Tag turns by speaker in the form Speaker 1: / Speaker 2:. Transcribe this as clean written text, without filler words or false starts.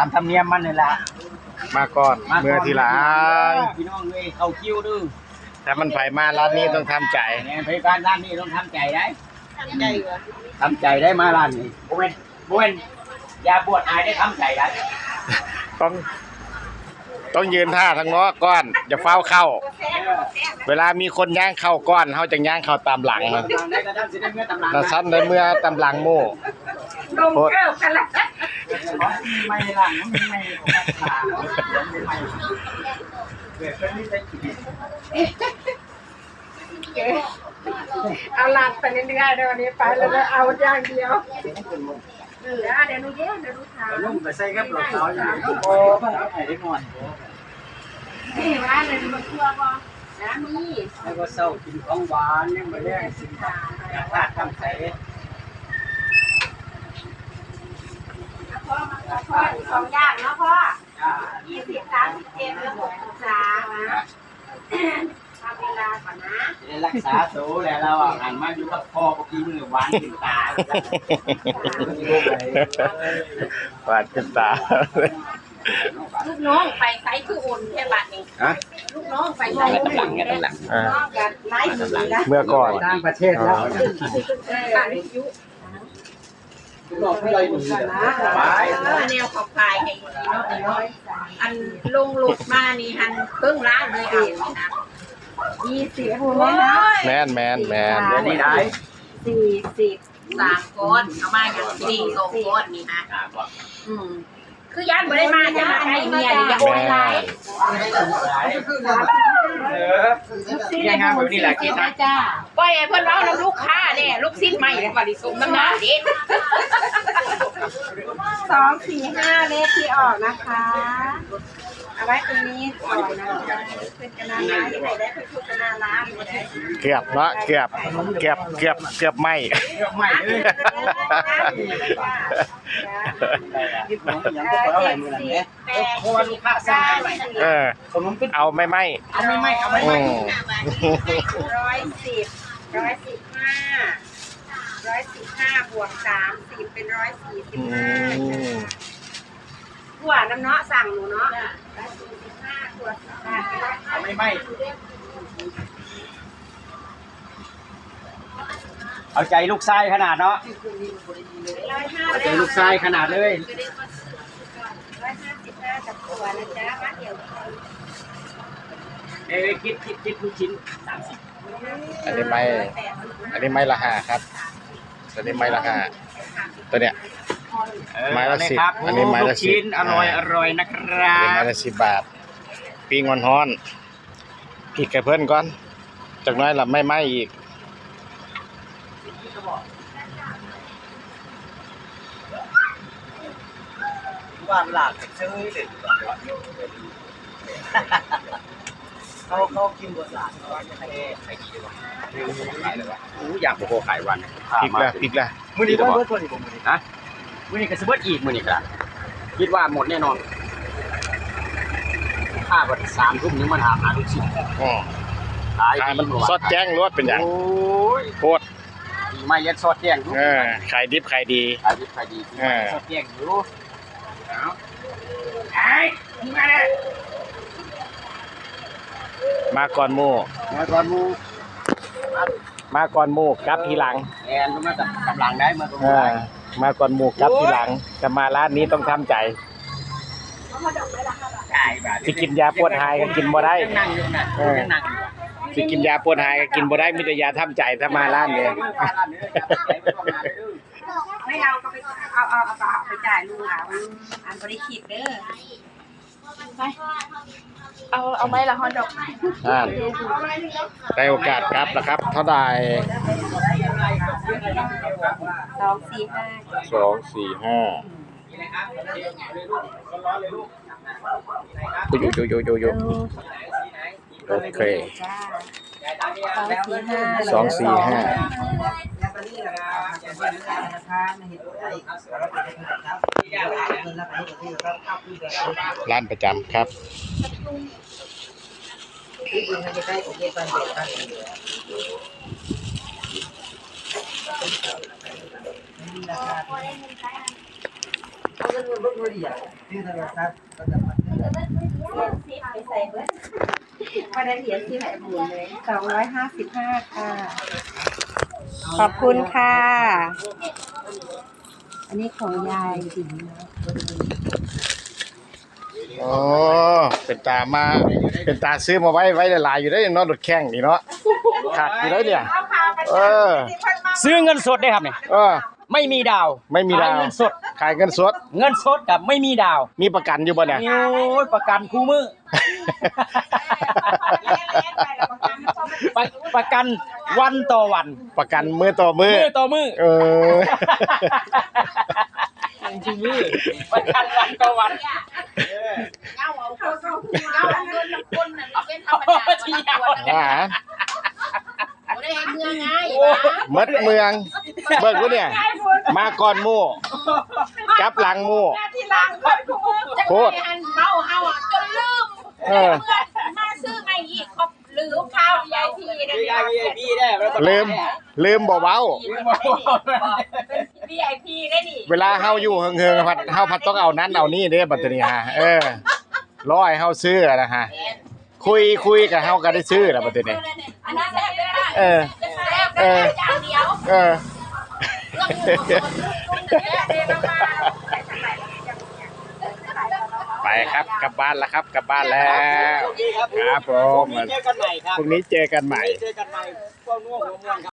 Speaker 1: ามธรรมเนียมมันนี่แหละ
Speaker 2: มาก่อนเมื่อทีหลัง
Speaker 1: พี่น้องเลยเข้าคิวดื้อ
Speaker 2: ถ้ามันไผมาร้านนี้ต้องทำใจ
Speaker 1: เนี่ยบริการร้านนี้ต้องทำใจได้ทำใจได้มาร้านนี้บุ้นอย่าบวชอายได้ทำใจได้
Speaker 2: ต้องยืนท่าทางง้อก้อนอย่าเฝ้าเข้าเวลามีคนย่างเข้าก้อนเขาจะย่างเข้าตามหลังนะสั้นได้เมื่อตามหลังโม่โคตร
Speaker 1: ไม่หลังไม่
Speaker 3: เอาหลักไปเรื่อยๆเดี๋ยววันนี้ไปแล้วเอาอย่างเดียวเดี๋ยวหนูเดี๋ยวหนูถาม
Speaker 1: นุ่มไปใส่กับหลอกเขาอย่างนี้โอ้ไอ้ได้นอน
Speaker 3: นี่ว่าเลยมันทั่วบ่นะมี
Speaker 1: แล้วก็เศร้ากินของหวานเนี่ยมาเรียกสินค้าอยากทำใส่
Speaker 3: พ่อของยากเนาะพ่อ20 37เรื่องศึกษาทำเวลาก่อนนะ
Speaker 1: รักษาสูแล้วเราหันมาอยู่กับพ่อเมื่อกี้มือหวานกินตา
Speaker 2: หวานกินตา
Speaker 3: ลูกน้องไปไซคืออุ่นแค่บัดนี้ลูกน้องไปไซ
Speaker 1: ตำหลังตำหลัง
Speaker 3: น้องกันไล่ตำหลัง
Speaker 2: เมื่อก่อน
Speaker 1: ต่างประเทศแล้วบอกให้เราดู
Speaker 3: นะแนวขอบพายให้อันลงหลุดมานี่หันเพิ่งล้างเลยอ่ะนะ20หัวนะ
Speaker 2: แม่น
Speaker 1: นี่ได้
Speaker 3: 43คนเอามาอย่าง4คนนี่นะคือย่านบ่ได้มาจะมาให้เมียดิอย่าโอนไลน์
Speaker 1: ยังงานแบบนี้แหละกินนะ
Speaker 3: จ้าปล่อยให้เพิ่นเว้านํลูกค้าเนี่ยลูกชิ้นใหม่แล้วก็ดิส่งน้ำหน้าเด้245เลขที่ออกนะคะเอาไว้ตรงนี้ก่อนนะเป็นกระนาล้าที่ไหนได้เป็นทุกกระนาล้า
Speaker 2: เกือบเนาะเกือบไม่
Speaker 1: เพราะว่าลูกค้าสั่ง
Speaker 2: เอาไม่110
Speaker 3: 115บวก30เป็น145หัวน้ำเนาะสั่งหนูเนาะ145ตัว
Speaker 1: เอาไม่เอาใจลูกชายขนาดเนาะเอาใจลูกชายขนาดเลย
Speaker 3: 155กับตัวนะจ๊ะมาเดี๋ยว
Speaker 1: คิดลูกชิ้น30
Speaker 2: อันนี้ไม่ละ5ครับอันนี้ไม่ละ5ตัวเนี้ยไม้ละ10อันนี้ไม้ละ10
Speaker 1: อร่อยนะครับ
Speaker 2: ไม้ละ10 บาทปีงอนฮ้อนอีกแค่เพิ่นก่อนจากน้อยละไม่อีก
Speaker 1: ว่านหลากซื้อเด็ดเขากินบนหลากใครดีวะอยากโคขายวัน
Speaker 2: พริกละ
Speaker 1: มื้อนี้ก็บ่ตัวนี้บ่มื้อนี้ฮะมื้อนี้ก็สิเบิดอีกมื้อนี้ก็คิดว่าหมดแน่นอนถ้าบ่3 ทุ่มนึงมาถามหาลูกชิ้น
Speaker 2: ขายมันสดแจ้งรวดเป็นหยัง
Speaker 1: โอ้ย
Speaker 2: โคตร
Speaker 1: ไม่ยัดสดแจ้ง
Speaker 2: ขายดิบขายดี
Speaker 1: สดแจ้งอยู่ไอ้มาเลย
Speaker 2: มาก่อนหมู่กลับทีหลัง
Speaker 1: แอนมากับกำลังได้มาตรงนี้
Speaker 2: มาก่อนหมู่กลับทีหลังจะมาร้านนี้ต้องทำใจสิกินยาปวดหายก็กินบ่ได้สิกินยาปวดหายก็กินบ่ได้มีแต่ยาทำใจถ้ามาร้านนี้
Speaker 3: ไม่เอาก็ไปเอาไปจ่ายลุงอันบริคิดเด้อไปเอาไหมล่ะฮอนดอก
Speaker 2: ได้โอกาสครับนะครับเท่าใด245อยู่โอเค245ร้านประจำครับ
Speaker 3: มาได้เหรียญที่ไหนบุญเลย255ค่ะขอบคุณค่ะ อันนี้ของยายสิงห์นะ
Speaker 2: โอ้เป็นตามาเป็นตาซื้อมาไว้หลายๆอยู่ได้เนาะรถแข้งนี่เนาะขาดอยู่ได้เนี่ยเออ
Speaker 1: ซื้อเงินสดได้ครับเนี่ย
Speaker 2: เออ
Speaker 1: ไม่มีดาว
Speaker 2: ไม่มีดาว
Speaker 1: ขายเงินสด
Speaker 2: ขายเงินสด
Speaker 1: เงินสดกับไม่มีดาว
Speaker 2: มีประกันอยู่บ่เนี่ย
Speaker 1: โอ้ยประกันคู่มือ ประกันวันต่อวัน
Speaker 2: ประกันมือต่อมือ
Speaker 1: มือต่อมือ
Speaker 2: เออ
Speaker 1: คู่มือประกันวันต่อวัน
Speaker 3: เงาเอาเงินน้ำคนน่ะเป็นธรรมดา
Speaker 1: ที่ยาว
Speaker 2: อ่า
Speaker 3: ได้ให้เมืองง่าย
Speaker 2: มดเมืองเบิกกูเนี่ย มาก่อนหมู่กลับหลังหมู่
Speaker 3: ที่ล้างคนจะ
Speaker 2: โคตร
Speaker 3: เมาเอาจนลืม
Speaker 2: เออ
Speaker 3: มาซื้อไม่อีกครบลืมข้าวใหญ่ทีนะ
Speaker 1: VIP ได้
Speaker 2: ลืมบ่เว้า
Speaker 3: เป็น VIP ได้นี่
Speaker 2: เวลาเฮาอยู่เฮิงๆเฮาพัดต้องเอานั้นเอานี่เด้บัดนี้ฮะเออร้อยเฮาซื้อนะฮะคุยกับเฮาก็ได้ซื้อแล้วบัดนี้
Speaker 3: อันนั้นแซ่บเลยนะ
Speaker 2: เออ
Speaker 3: แซ่บเลยจานเดียว
Speaker 2: เออ ไปครับกลับบ้านแล้วครับกลับบ้านแล้วครับผม
Speaker 1: เจอกันใหม่ครับ
Speaker 2: พรุ่งนี้เจอกันใหม่
Speaker 1: เจอกันใหม่พวกนู้นหัวม่วงครับ